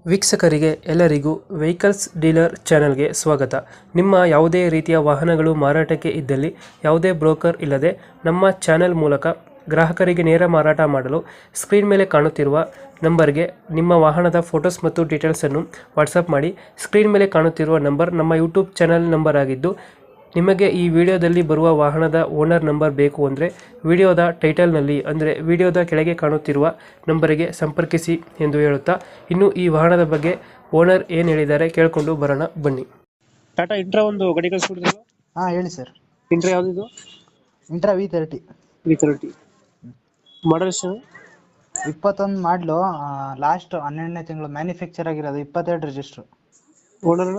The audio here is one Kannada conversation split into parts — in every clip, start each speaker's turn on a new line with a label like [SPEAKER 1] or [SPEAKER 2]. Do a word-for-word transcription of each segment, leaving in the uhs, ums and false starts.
[SPEAKER 1] ವೀಕ್ಷಕರಿಗೆ ಎಲ್ಲರಿಗೂ ವೆಹಿಕಲ್ಸ್ ಡೀಲರ್ ಚಾನೆಲ್ಗೆ ಸ್ವಾಗತ. ನಿಮ್ಮ ಯಾವುದೇ ರೀತಿಯ ವಾಹನಗಳು ಮಾರಾಟಕ್ಕೆ ಇದ್ದಲ್ಲಿ ಯಾವುದೇ ಬ್ರೋಕರ್ ಇಲ್ಲದೆ ನಮ್ಮ ಚಾನೆಲ್ ಮೂಲಕ ಗ್ರಾಹಕರಿಗೆ ನೇರ ಮಾರಾಟ ಮಾಡಲು ಸ್ಕ್ರೀನ್ ಮೇಲೆ ಕಾಣುತ್ತಿರುವ ನಂಬರ್ಗೆ ನಿಮ್ಮ ವಾಹನದ ಫೋಟೋಸ್ ಮತ್ತು ಡೀಟೇಲ್ಸನ್ನು ವಾಟ್ಸಪ್ ಮಾಡಿ. ಸ್ಕ್ರೀನ್ ಮೇಲೆ ಕಾಣುತ್ತಿರುವ ನಂಬರ್ ನಮ್ಮ ಯೂಟ್ಯೂಬ್ ಚಾನೆಲ್ ನಂಬರ್ ಆಗಿದ್ದು, ನಿಮಗೆ ಈ ವಿಡಿಯೋದಲ್ಲಿ ಬರುವ ವಾಹನದ ಓನರ್ ನಂಬರ್ ಬೇಕು ಅಂದರೆ ವಿಡಿಯೋದ ಟೈಟಲ್ನಲ್ಲಿ ಅಂದರೆ ವಿಡಿಯೋದ ಕೆಳಗೆ ಕಾಣುತ್ತಿರುವ ನಂಬರಿಗೆ ಸಂಪರ್ಕಿಸಿ ಎಂದು ಹೇಳುತ್ತಾ, ಇನ್ನು ಈ ವಾಹನದ ಬಗ್ಗೆ ಓನರ್ ಏನು ಹೇಳಿದ್ದಾರೆ ಕೇಳಿಕೊಂಡು ಬರೋಣ ಬನ್ನಿ. ಟಾಟಾ ಇಂಟ್ರಾ ಒಂದು ಗಾಡಿ ಕಳಿಸ್ಬಿಟ್ಟಿದ್ರು.
[SPEAKER 2] ಹಾಂ ಹೇಳಿ ಸರ್.
[SPEAKER 1] ಇಂಟ್ರಾ ಯಾವುದಿದು?
[SPEAKER 2] Intra V thirty
[SPEAKER 1] V thirty model ಎಷ್ಟು?
[SPEAKER 2] ಇಪ್ಪತ್ತೊಂದು ಮಾಡಲು, ಲಾಸ್ಟ್ ಹನ್ನೆರಡನೇ ತಿಂಗಳು ಮ್ಯಾನುಫ್ಯಾಕ್ಚರ್ ಆಗಿರೋದು, ಇಪ್ಪತ್ತೆರಡು ರಿಜಿಸ್ಟ್ರು.
[SPEAKER 1] ಓನರ್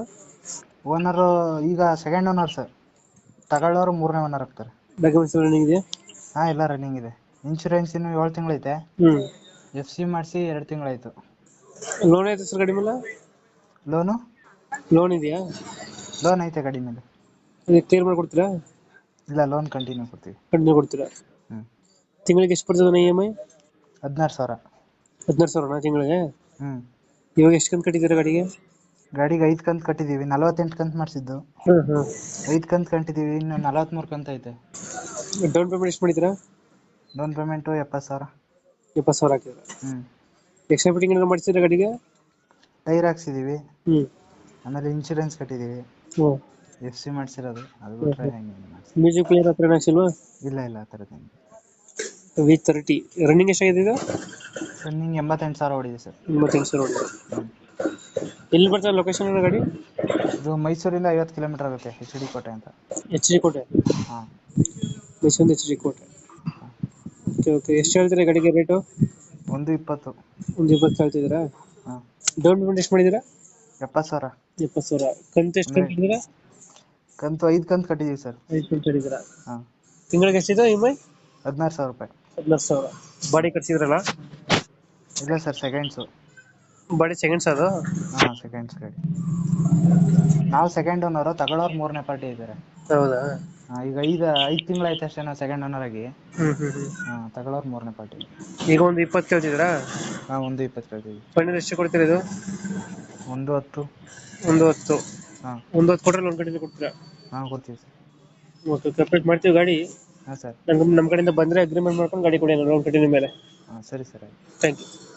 [SPEAKER 2] ಓನರು ಈಗ ಸೆಕೆಂಡ್ ಓನರ್ ಸರ್, ತಗೊಳ್ಳೋರು ಮೂರನೇ ಓನರ್ ಆಗ್ತಾರೆ.
[SPEAKER 1] ಡಾಕ್ಯುಮೆಂಟ್ಸ್ ರನ್ನಿಂಗ್ ಇದೆ?
[SPEAKER 2] ಹಾಂ ಎಲ್ಲ ರನ್ನಿಂಗ್ ಇದೆ. ಇನ್ಶೂರೆನ್ಸ್ ಇನ್ನು ಏಳು ತಿಂಗಳೈತೆ.
[SPEAKER 1] ಹ್ಞೂ
[SPEAKER 2] ಎಫ್ ಸಿ ಮಾಡಿಸಿ ಎರಡು ತಿಂಗಳಾಯ್ತು.
[SPEAKER 1] ಲೋನ್ ಐತೆ ಸರ್ ಗಾಡಿ ಮೇಲೆ?
[SPEAKER 2] ಲೋನು
[SPEAKER 1] ಲೋನ್ ಇದೆಯಾ?
[SPEAKER 2] ಲೋನ್ ಐತೆ ಗಾಡಿ ಮೇಲೆ.
[SPEAKER 1] ಅದು ಕ್ಲಿಯರ್ ಮಾಡಿಕೊಡ್ತೀರಾ?
[SPEAKER 2] ಇಲ್ಲ, ಲೋನ್ ಕಂಟಿನ್ಯೂ ಕೊಡ್ತೀವಿ.
[SPEAKER 1] ಕಂಟಿನ್ಯೂ ಕೊಡ್ತೀರಾ?
[SPEAKER 2] ಹ್ಞೂ.
[SPEAKER 1] ತಿಂಗಳಿಗೆ ಎಷ್ಟು ಬರ್ತದೆ ಇ ಎಮ್ ಐ?
[SPEAKER 2] ಹದಿನಾರು ಸಾವಿರ.
[SPEAKER 1] ಹದಿನಾರು ಸಾವಿರನಾ ತಿಂಗಳಿಗೆ?
[SPEAKER 2] ಹ್ಞೂ.
[SPEAKER 1] ಇವಾಗ ಎಷ್ಟು ಕಂತು ಕಟ್ಟಿದ್ದೀರಾ ಗಾಡಿಗೆ?
[SPEAKER 2] ಗಾಡಿಗೆ ಐದು ಕಂತು ಕಟ್ಟಿದ್ದೀವಿ. ನಲವತ್ತೆಂಟು ಕಂತು ಮಾಡಿಸಿದ್ದು.
[SPEAKER 1] ಹಾಂ ಹಾಂ
[SPEAKER 2] ಐದು ಕಂತು ಕಟ್ಟಿದ್ದೀವಿ, ಇನ್ನು ನಲವತ್ತ್ಮೂರು ಕಂತು ಐತೆ.
[SPEAKER 1] ಡೌನ್ ಪೇಮೆಂಟ್ ಎಷ್ಟು ಮಾಡಿದ್ದೀರಾ?
[SPEAKER 2] ಡೌನ್ ಪೇಮೆಂಟು ಎಪ್ಪತ್ತು ಸಾವಿರ.
[SPEAKER 1] ಎಪ್ಪತ್ತು ಸಾವಿರ ಹಾಕಿದ್ರೆ.
[SPEAKER 2] ಹ್ಞೂ.
[SPEAKER 1] ಎಕ್ಸ್ಟ್ರಾ ಫಿಟ್ಟಿಂಗ್ ಏನಾದ್ರು ಮಾಡಿಸಿದ್ರೆ ಗಾಡಿಗೆ?
[SPEAKER 2] ಟೈರ್ ಹಾಕ್ಸಿದ್ದೀವಿ.
[SPEAKER 1] ಹ್ಞೂ.
[SPEAKER 2] ಆಮೇಲೆ ಇನ್ಶೂರೆನ್ಸ್ ಕಟ್ಟಿದ್ದೀವಿ.
[SPEAKER 1] ಹ್ಞೂ.
[SPEAKER 2] ಎಫ್ ಸಿ ಮಾಡಿಸಿರೋದು, ಅದು ಬಿಟ್ಟರೆ ಹೆಂಗೆ ಮಾಡಿಸಿ.
[SPEAKER 1] ಮ್ಯೂಸಿಕ್ ಪ್ಲೇಯರ್ ಹತ್ರ ಹಾಕ್ಸಿಲ್ವಾ?
[SPEAKER 2] ಇಲ್ಲ ಇಲ್ಲ, ಆ ಥರದ್ದು ಹೆಂಗೆ.
[SPEAKER 1] ವಿ ತರ್ಟಿ ರನ್ನಿಂಗ್ ಎಷ್ಟಾಗಿದೆ ಇದು?
[SPEAKER 2] ರನ್ನಿಂಗ್ ಎಂಬತ್ತೆಂಟು ಸಾವಿರ ಹೊಡಿದೆ ಸರ್.
[SPEAKER 1] ಎಂಬತ್ತೆಂಟು ಸಾವಿರ ಹೊಡಿದೆ.
[SPEAKER 2] ಹ್ಞೂ.
[SPEAKER 1] ಎಲ್ಲಿ ಬರ್ತದೆ ಲೊಕೇಶನ್ ಗಾಡಿ?
[SPEAKER 2] ಇದು ಮೈಸೂರಿಂದ ಐವತ್ತು ಕಿಲೋಮೀಟರ್ ಆಗುತ್ತೆ, ಎಚ್ ಡಿ ಕೋಟೆ ಅಂತ.
[SPEAKER 1] ಎಚ್ ಡಿ ಕೋಟೆ?
[SPEAKER 2] ಹಾಂ.
[SPEAKER 1] ಮೈಸೂರಿಂದ ಎಚ್ ಡಿ ಕೋಟೆ. Okay okay. ಎಷ್ಟು ಹೇಳ್ತೀರಾ ಗಾಡಿಗೆ ರೇಟು?
[SPEAKER 2] ಒಂದು ಇಪ್ಪತ್ತು.
[SPEAKER 1] ಒಂದು ಇಪ್ಪತ್ತು ಹೇಳ್ತಿದ್ದೀರಾ?
[SPEAKER 2] ಹಾಂ.
[SPEAKER 1] ಡೌನ್ ಪೇಮೆಂಟ್ ಎಷ್ಟು ಮಾಡಿದ್ದೀರಾ?
[SPEAKER 2] ಎಪ್ಪತ್ತು ಸಾವಿರ.
[SPEAKER 1] ಎಪ್ಪತ್ತು ಸಾವಿರ. ಕಂತು ಎಷ್ಟು
[SPEAKER 2] ಅಂದರೆ
[SPEAKER 1] ಕಟ್ಟಿದ್ದೀರಾ?
[SPEAKER 2] ಕಂತು ಐದು ಕಂತು ಕಟ್ಟಿದ್ದೀವಿ ಸರ್.
[SPEAKER 1] ಐದು ಕಂತು ಕಟ್ಟಿದ್ದೀರಾ?
[SPEAKER 2] ಹಾಂ.
[SPEAKER 1] ತಿಂಗಳಿಗೆ ಎಷ್ಟಿದೆ ಇ ಎಮ್ ಐ?
[SPEAKER 2] ಹದಿನಾರು ಸಾವಿರ ರೂಪಾಯಿ.
[SPEAKER 1] ಹದಿನಾರು ಸಾವಿರ. ಬಾಡಿ ಕಟ್ಸಿದ್ರಲ್ಲ?
[SPEAKER 2] ಇಲ್ಲ ಸರ್, ಸೆಕೆಂಡ್ಸು.
[SPEAKER 1] ಬಾಡಿ ಸೆಕೆಂಡ್ಸ್ ಅದು?
[SPEAKER 2] ಹಾಂ, ಸೆಕೆಂಡ್ಸ್ ಗಾಡಿ. ನಾವು ಸೆಕೆಂಡ್ ಓನರು, ತಗೊಳ್ಳೋರು ಮೂರನೇ ಪಾರ್ಟಿ ಇದ್ದಾರೆ.
[SPEAKER 1] ಹೌದಾ?
[SPEAKER 2] ಹಾಂ. ಈಗ ಐದು ಐದು ತಿಂಗಳಾಯ್ತು ಅಷ್ಟೇ ನಾವು ಸೆಕೆಂಡ್ ಓನರ್ ಆಗಿ.
[SPEAKER 1] ಹ್ಞೂ ಹ್ಞೂ ಹ್ಞೂ.
[SPEAKER 2] ಹಾಂ, ತಗೊಳ್ಳೋರು ಮೂರನೇ ಪಾರ್ಟಿ.
[SPEAKER 1] ಈಗ ಒಂದು ಇಪ್ಪತ್ತು ಕೇಳ್ತಿದ್ದೀರಾ?
[SPEAKER 2] ಹಾಂ, ಒಂದು ಇಪ್ಪತ್ತು ಕೇಳ್ತೀವಿ.
[SPEAKER 1] ಫೈನಲ್ ಎಷ್ಟು ಕೊಡ್ತೀರಾ ಇದು?
[SPEAKER 2] ಒಂದು ಹತ್ತು.
[SPEAKER 1] ಒಂದು ಹತ್ತು?
[SPEAKER 2] ಹಾಂ.
[SPEAKER 1] ಒಂದು ಹತ್ತು ಕೊಟ್ಟರೆ ಲೋನ್ ಕಂಟಿನ್ಯೂ ಕೊಡ್ತೀರಾ?
[SPEAKER 2] ಹಾಂ, ಕೊಡ್ತೀವಿ ಸರ್.
[SPEAKER 1] ಓಕೆ, ಕಂಪ್ಲೀಟ್ ಮಾಡ್ತೀವಿ ಗಾಡಿ.
[SPEAKER 2] ಹಾಂ ಸರ್.
[SPEAKER 1] ನಮ್ಮ ನಮ್ಮ ಕಡೆಯಿಂದ ಬಂದರೆ ಅಗ್ರಿಮೆಂಟ್ ಮಾಡ್ಕೊಂಡು ಗಾಡಿ ಕೊಡಿ ಲೋನ್ ಕಂಟಿನ್ಯೂ ಮೇಲೆ.
[SPEAKER 2] ಹಾಂ, ಸರಿ ಸರ್.
[SPEAKER 1] Thank you.